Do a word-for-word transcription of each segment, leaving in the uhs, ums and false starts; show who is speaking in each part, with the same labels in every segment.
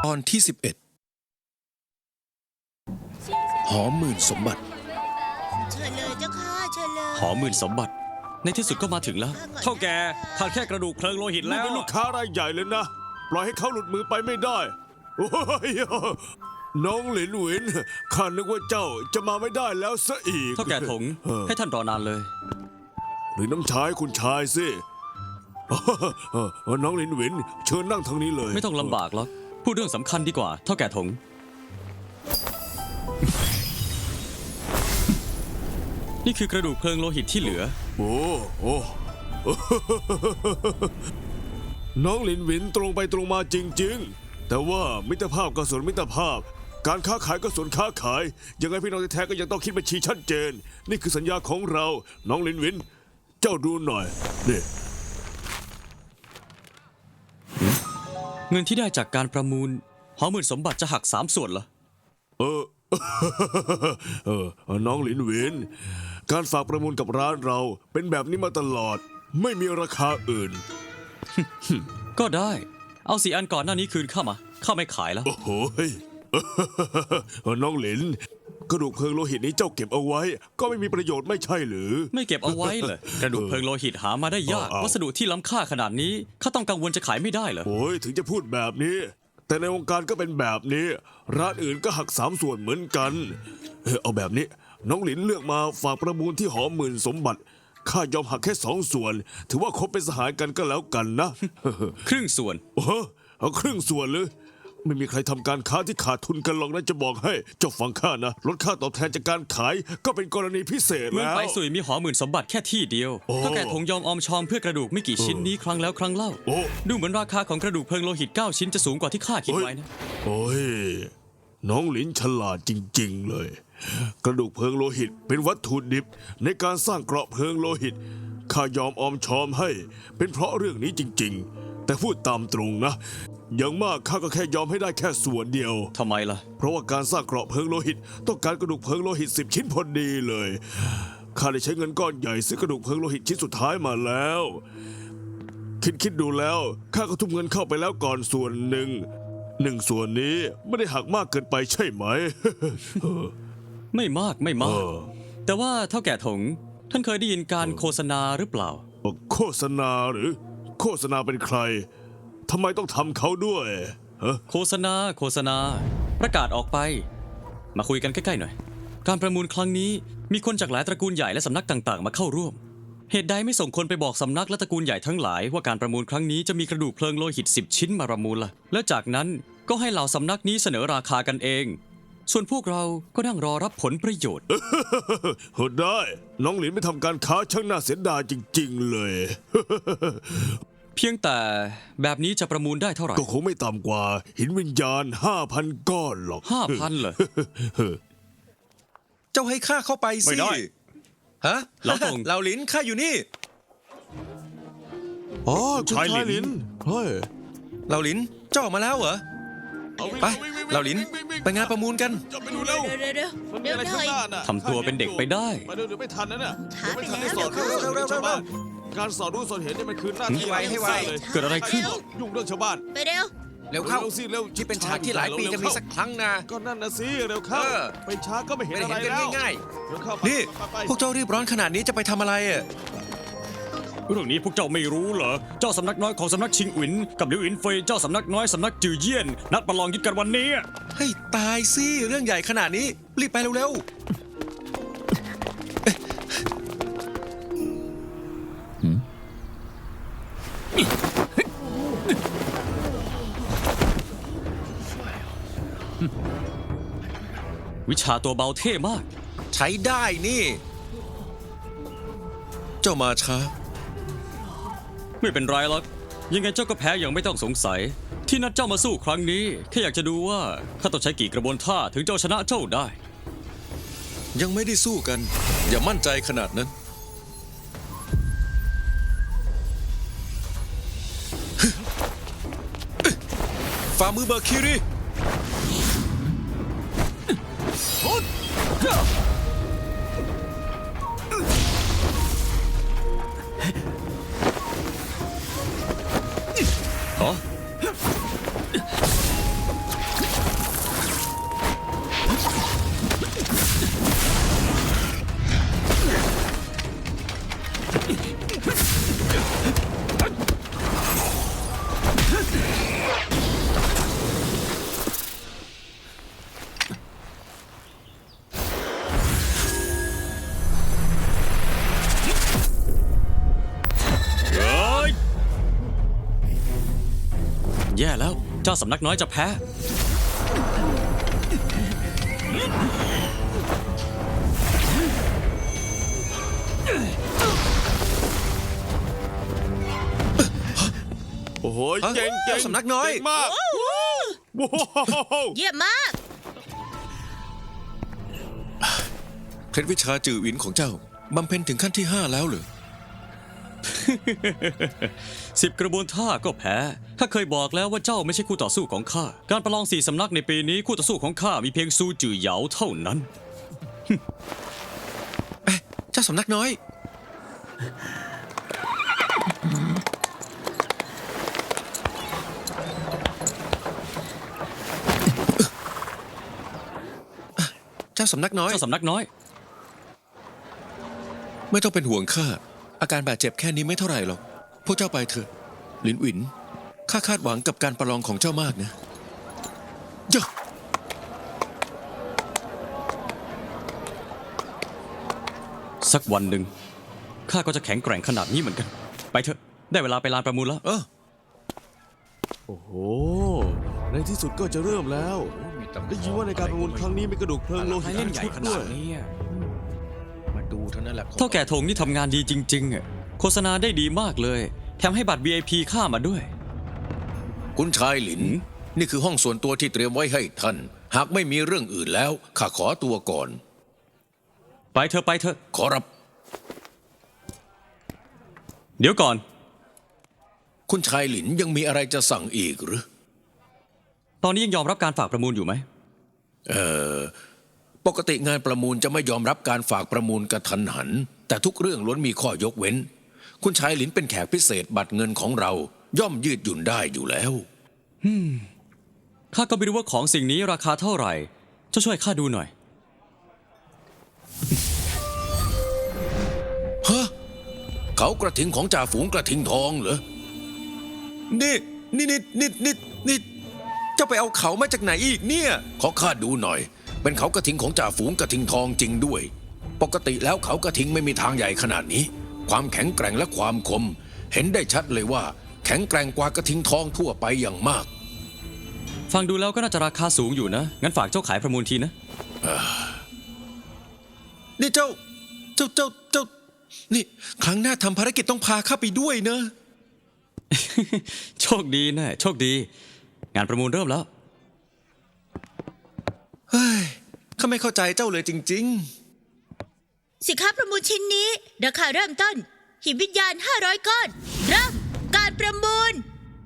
Speaker 1: ตอนที่สิบเอ็ดหอมหมื่นสมบัติ
Speaker 2: เชิญเลยเจ้าค่ะเชิญเลย
Speaker 3: หอหมื่นสมบัติในที่สุดก็มาถึงแล้วเท่าแก่ขาดแค่กระดูกเพลิงโลหิต
Speaker 4: นี่
Speaker 3: แล้ว
Speaker 4: เป็นลูกค้ารายใหญ่เลยนะ ปล่อยให้เขาหลุดมือไปไม่ได้โอ้ยน้องหลินหวินข้านึกว่าเจ้าจะมาไม่ได้แล้วซะอีก
Speaker 3: เท่าแก่ถง
Speaker 4: เออ
Speaker 3: ให้ท่านรอนานเลย
Speaker 4: หรือน้องชายคุณชายสิเออเออน้องหลินหวินเชิญนั่งทางนี้เลย
Speaker 3: ไม่ต้องลำบากหรอกพูดเรื่องสำคัญดีกว่าเท่าแก่ถง นี่คือกระดูกเพลิงโลหิตที่เหลือ
Speaker 4: โอ้โอ้ น้องหลินหวินตรงไปตรงมาจริงๆ แต่ว่ามิตรภาพก็ส่วนมิตรภาพ การค้าขายก็ส่วนค้าขาย ยังไงพี่น้องแท้ๆก็ยังต้องคิดบัญชีชัดเจน นี่คือสัญญาของเรา น้องหลินหวิน เจ้าดูหน่อยนี่
Speaker 3: เงินที่ได้จากการประมูลหอหมื่นสมบัติจะหักสามส่วนเหรอ
Speaker 4: เออ เออ น้องหลินหวิน การฝากประมูลกับร้านเราเป็นแบบนี้มาตลอด ไม่มีราคาอื่น
Speaker 3: ก็ได้เอาสี่อันก่อนหน้านี้คืนเข้ามาข้าไม่ขายแล้ว
Speaker 4: โอ้โหย เออน้องหลิน กระดูกเพลิงโลหิตนี้เจ้าเก็บเอาไว้ ก็ไม่มีประโยชน์ไม่ใช่หรือ
Speaker 3: ไม่เก็บเอาไว้เลยกระดูกเพลิงโลหิตหามาได้ยาก
Speaker 4: เอาเอา
Speaker 3: วัสดุที่ล้ำค่าขนาดนี้ข้าต้องกังวลจะขายไม่ได้เหรอ
Speaker 4: โอ้ยถึงจะพูดแบบนี้ แต่ในวงการก็เป็นแบบนี้ ร้านอื่นก็หักสามส่วนเหมือนกันเออเอาแบบนี้ น้องหลินเลือกมาฝากประมูลที่หอหมื่นสมบัติข้ายอมหักแค่สองส่วน ถือว่าคบเป็นสหายกันก็แล้วกันนะ
Speaker 3: ครึ่งส่วน
Speaker 4: โอ้โหเอาครึ่งส่วนเลย ไม่มีใครทำการค้าที่ขาดทุนกันหรอกนะจะบอกให้เจ้าฟังข้านะลดค่าตอบแทนจากการขายก็เป็นกรณีพิเศษ
Speaker 3: เมือง
Speaker 4: แล้ว
Speaker 3: ไปสุยมีหอหมื่นสมบัติแค่ที่เดียว
Speaker 4: โอ้
Speaker 3: ก็แก่ถงยอมออมชอมเพื่อกระดูกไม่กี่ชิ้นนี้ครั้งแล้วครั้งเล่า
Speaker 4: โอ้
Speaker 3: ดูเหมือนราคาของกระดูกเพลิงโลหิตเก้าชิ้นจะสูงกว่าที่ข้าคิดไว้นะ
Speaker 4: โอ้ย น้องหลินฉลาดจริงๆเลย กระดูกเพลิงโลหิตเป็นวัตถุดิบในการสร้างเกราะเพลิงโลหิตข้ายอมออมชอมให้ เป็นเพราะเรื่องนี้จริงๆ แต่พูดตามตรงนะ อย่างมากข้าก็แค่ยอมให้ได้แค่ส่วนเดียว
Speaker 3: ทำไมล่ะ
Speaker 4: เพราะว่าการสร้างเกราะเพลิงโลหิต ต้องการกระดูกเพลิงโลหิตสิบชิ้นพอดีเลยข้าได้ใช้เงินก้อนใหญ่ซื้อกระดูกเพลิงโลหิตชิ้นสุดท้ายมาแล้ว คิดคิดดูแล้วข้าก็ทุ่มเงินเข้าไปแล้วก่อนส่วนหนึ่งหนึ่งส่วนนี้ไม่ได้หักมากเกินไปใช่ไหม
Speaker 3: ไม่มากไม่มาก
Speaker 4: เออ
Speaker 3: แต่ว่าเท่าแก่ถง ท่านเคยได้ยินการโฆษณาหรือเปล่า
Speaker 4: โฆษณาหรือ โฆษณาเป็นใครทำไมต้องทำเขาด้วยฮะ
Speaker 3: โฆษณาโฆษณา ประกาศออกไป มาคุยกันใกล้ๆหน่อย การประมูลครั้งนี้มีคนจากหลายตระกูลใหญ่และสำนักต่างๆ มาเข้าร่วม เหตุใดไม่ส่งคนไปบอกสำนักและตระกูลใหญ่ทั้งหลายว่าการประมูลครั้งนี้จะมีกระดูกเพลิงโลหิตสิบชิ้นมาประมูลล่ะและจากนั้นก็ให้เหล่าสำนักนี้เสนอราคากันเอง ส่วนพวกเราก็นั่งรอรับผลประโยชน์
Speaker 4: เฮ้ได้ น้องหลินไม่ทำการค้าช่างน่าเสียดายจริง ๆ เลย
Speaker 3: เพียงแต่แบบนี้จะประมูลได้เท่าไหร่
Speaker 4: ก็คงไม่ต่ำกว่าหินวิญญาณห้าพันก้อนหรอก
Speaker 3: ห้าพันเหรอ
Speaker 1: เจ้าให้ข้าเข้าไปสิ
Speaker 3: ไม่ได้
Speaker 1: ฮะ
Speaker 3: เหลาตง
Speaker 1: เหลาหลินข้าอยู่นี่
Speaker 4: อ๋อคุณ
Speaker 3: ชายหลิน
Speaker 4: ชายหลินเฮ้ย
Speaker 1: เหลาหลินเจ้าออกมาแล้วเหรอ ไปเหลาหลินไปงานประมูลกัน
Speaker 4: จะไปดูเร็ว
Speaker 2: เดี๋ยวเดี๋ยวเดี๋ยวเดี๋ยวหน่อย
Speaker 3: ทำตัวเป็นเด็กไปได้
Speaker 4: มาเดี๋ยวเดี๋ยวไม่ทันนะเนี่ย
Speaker 2: ช้าไป
Speaker 4: เดี๋ยวไม่ทันได้
Speaker 2: แล้ว
Speaker 4: สอน
Speaker 2: เดี๋ยว
Speaker 4: เรื่อง
Speaker 1: เร็วๆ
Speaker 4: ชาวบ้านการสอนรู้สอนเห็นเนี่ยมันคือหน้าที่
Speaker 1: ให้ไวให้ไว
Speaker 4: เลย
Speaker 3: เกิดอะไรขึ้น
Speaker 4: ยุ่งเรื่องชาวบ้าน
Speaker 2: ไปเร็ว
Speaker 1: เร็วเข้า
Speaker 4: เร็วสิเร็ว
Speaker 1: ที่เป็นฉากที่หลายปีจะมีสักครั้งนะ
Speaker 4: ก็นั่นนะสิเร็วเข้า
Speaker 1: เออ
Speaker 4: ไปช้าก็ไม่เห็น
Speaker 1: ไม่ได้
Speaker 4: อะไร
Speaker 1: เห็นกัน
Speaker 4: แล้ว
Speaker 1: ง่าย
Speaker 4: เร็วเข้าไป
Speaker 1: ๆ นี่
Speaker 4: ไปไป
Speaker 1: พวกเจ้ารีบร้อนขนาดนี้จะไปทำอะไรอ่ะ
Speaker 3: เรื่องนี้พวกเจ้าไม่รู้เหรอ เจ้าสำนักน้อยของสำนักชิงอินกับหลิวอินเฟยเจ้าสำนักน้อยสำนักจือเยี่ยน นัดประลองยึดกันวันนี้
Speaker 1: ให้ตายสิเรื่องใหญ่ขนาดนี้ รีบไปเร็วๆ
Speaker 3: วิชาตัวเบาเท่มาก
Speaker 1: ใช้ได้นี่ เจ้ามาช้า
Speaker 3: ไม่เป็นไรหรอก ยังไงเจ้าก็แพ้อย่างไม่ต้องสงสัย ที่นัดเจ้ามาสู้ครั้งนี้แค่อยากจะดูว่าข้าต้องใช้กี่กระบวนท่าถึงเจ้าชนะเจ้าได้
Speaker 1: ยังไม่ได้สู้กัน อย่ามั่นใจขนาดนั้น ฝ่ามือเบอร์คิริ
Speaker 3: อ๋อย่แล้ว เจ้าสำนักน้อยจะแพ้
Speaker 4: โอ้โห
Speaker 1: ฮะ
Speaker 4: เก่งเก่ง
Speaker 1: สำนักน้อย
Speaker 4: เก่งมากว้าว
Speaker 2: เยี่ยมมาก
Speaker 1: เคล็ดวิชาจือหวินของเจ้าบำเพ็ญถึงขั้นที่ห้าแล้วเหรอ
Speaker 3: สิบกระบวนท่าก็แพ้ข้าเคยบอกแล้วว่าเจ้าไม่ใช่คู่ต่อสู้ของข้า การประลองสี่สำนักในปีนี้คู่ต่อสู้ของข้ามีเพียงซูจือเหยาเท่านั้น
Speaker 1: เอ๊ะเจ้าสำนักน้อย เจ้าสำนักน้อย
Speaker 3: เจ้าสำนักน้อย
Speaker 1: ไม่ต้องเป็นห่วงข้า อาการบาดเจ็บแค่นี้ไม่เท่าไหร่หรอก พวกเจ้าไปเถอะหลินหวิน ข้าคาดหวังกับการประลองของเจ้ามากนะเจ้า
Speaker 3: สักวันหนึ่งข้าก็จะแข็งแกร่งขนาดนี้เหมือนกัน ไปเถอะ ได้เวลาไปลานประมูลแล้ว
Speaker 1: เออ
Speaker 4: โอ้โห ในที่สุดก็จะเริ่มแล้ว ได้ยินว่าในการประมูลครั้งนี้มีกระดูกเพลิงโลหิตทั้งชุดด้วย
Speaker 1: มาดูเท่านั้นแหละ
Speaker 3: เท่าแก่ธงนี่ทำงานดีจริงๆอะโฆษณาได้ดีมากเลย แถมให้บัตร วี ไอ พี ข้ามาด้วย
Speaker 1: คุณชายหลิน นี่คือห้องส่วนตัวที่เตรียมไว้ให้ท่าน หากไม่มีเรื่องอื่นแล้ว ข้าขอตัวก่อน
Speaker 3: ไปเถอะไปเถอะ
Speaker 1: ขอรับ
Speaker 3: เดี๋ยวก่อน
Speaker 1: คุณชายหลินยังมีอะไรจะสั่งอีกหรือ
Speaker 3: ตอนนี้ยังยอมรับการฝากประมูลอยู่ไหม
Speaker 1: เออปกติงานประมูลจะไม่ยอมรับการฝากประมูลกระทันหัน แต่ทุกเรื่องล้วนมีข้อยกเว้น คุณชายหลินเป็นแขกพิเศษบัตรเงินของเรา ย่อมยืดหยุ่นได้อยู่แล้ว
Speaker 3: ข้าก็ไม่รู้ว่าของสิ่งนี้ราคาเท่าไหร่เจ้าช่วยข้าดูหน่อย
Speaker 1: ฮะ เขากระทิงของจ่าฝูงกระทิงทองเหรอ นี่นี่นี่นี่นี่นี่เจ้าไปเอาเขามาจากไหนอีกเนี่ย ขอข้าดูหน่อย เป็นเขากระทิงของจ่าฝูงกระทิงทองจริงด้วย ปกติแล้วเขากระทิงไม่มีทางใหญ่ขนาดนี้ ความแข็งแกร่งและความคม เห็นได้ชัดเลยว่า แข็งแกร่งกว่ากระทิงทองทั่วไปอย่างมาก
Speaker 3: ฟังดูแล้วก็น่าจะราคาสูงอยู่นะ งั้นฝากเจ้าขายประมูลทีนะ
Speaker 1: นี่เจ้า เจ้าเจ้าเจ้า นี่ ครั้งหน้าทำภารกิจต้องพาข้าไปด้วยนะ
Speaker 3: โชคดีนะโชคดี งานประมูลเริ่มแล้ว
Speaker 1: เฮ้ย ข้าไม่เข้าใจเจ้าเลยจริง
Speaker 2: สินค้าประมูลชิ้นนี้ ราคาเริ่มต้น หินวิญญาณ ห้าร้อย ก้อน เริ่มการประมูล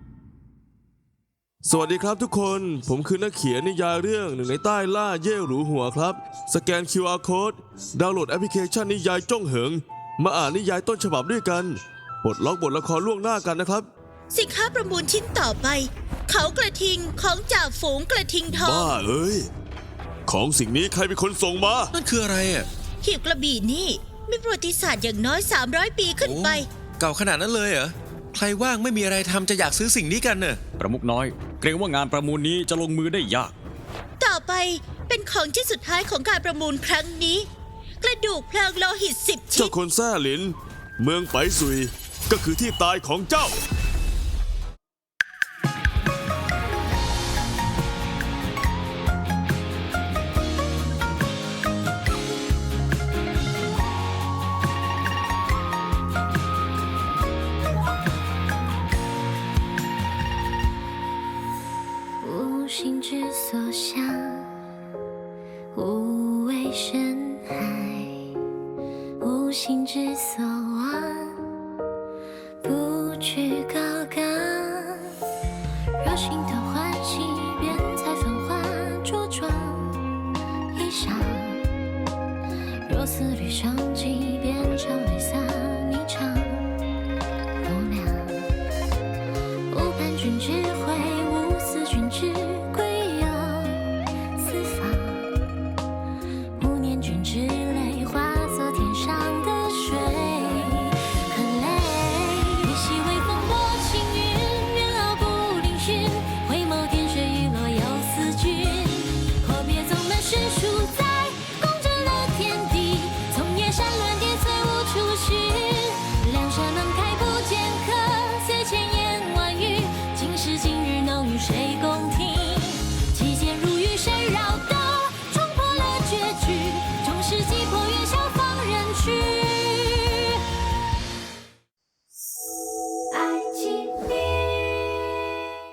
Speaker 4: สวัสดีครับทุกคน ผมคือนักเขียนนิยายเรื่องหนึ่งในใต้ล่าเย่หรูหัวครับ สแกน คิว อาร์ Code ดาวน์โหลดแอปพลิเคชันนิยายจ้องเหิง มาอ่านนิยายต้นฉบับด้วยกันปลดล็อกบทละครล่วงหน้ากันนะครับ
Speaker 2: สินค้าประมูลชิ้นต่อไป เขากระทิงของจ่าฝูงกระทิงทอง
Speaker 4: บ้าเอ้ย ของสิ่งนี้ใครเป็นคนส่งมา
Speaker 1: ๆ นั่นคืออะไรอ่ะ
Speaker 2: หีบกระบี่นี่มีประวัติศาสตร์อย่างน้อย สามร้อย ปีขึ้นไป
Speaker 1: โอ้เก่าขนาดนั้นเลยเหรอ ใครว่างไม่มีอะไรทำจะอยากซื้อสิ่งนี้กันเน่ะ
Speaker 3: ประมุขน้อย เกรงว่างานประมูลนี้จะลงมือได้ยาก
Speaker 2: ต่อไปเป็นของชิ้นสุดท้ายของการประมูลครั้งนี้ กระดูกเพลิงโลหิตสิบชิ้
Speaker 4: เจ้าน คนแซ่หลิน เมืองไปซุย ก็คือที่ตายของเจ้า
Speaker 5: 无心之所向，无畏深海；无心之所望，不去高岗。若心头欢喜，便采繁华着装衣裳；若思虑生计，便常泪洒。